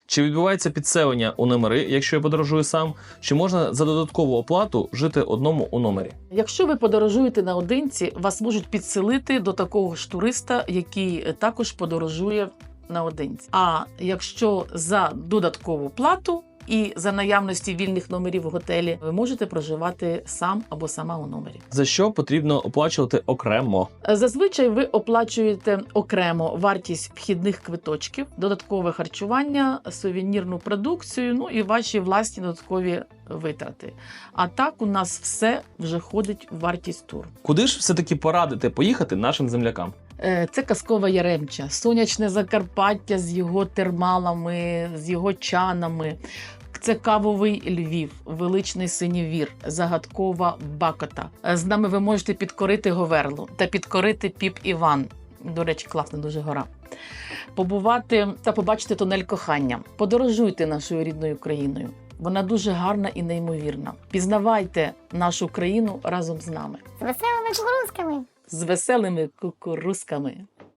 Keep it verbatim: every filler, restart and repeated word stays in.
Чи відбувається підселення у номери, якщо я подорожую сам? Чи можна за додаткову оплату жити одному у номері? Якщо ви подорожуєте наодинці, вас можуть підселити до такого ж туриста, який також подорожує наодинці. А якщо за додаткову плату і за наявності вільних номерів в готелі, ви можете проживати сам або сама у номері. За що потрібно оплачувати окремо? Зазвичай ви оплачуєте окремо вартість вхідних квиточків, додаткове харчування, сувенірну продукцію, ну і ваші власні додаткові витрати. А так у нас все вже входить в вартість туру. Куди ж все-таки порадити поїхати нашим землякам? Е, Це казкова Яремча, сонячне Закарпаття з його термалами, з його чанами. Це кавовий Львів, величний Синівір, загадкова Бакота. З нами ви можете підкорити Говерлу та підкорити Піп-Іван. До речі, класна дуже гора. Побувати та побачити тунель кохання. Подорожуйте нашою рідною країною. Вона дуже гарна і неймовірна. Пізнавайте нашу країну разом з нами. З веселими кукурузками. З веселими кукурузками.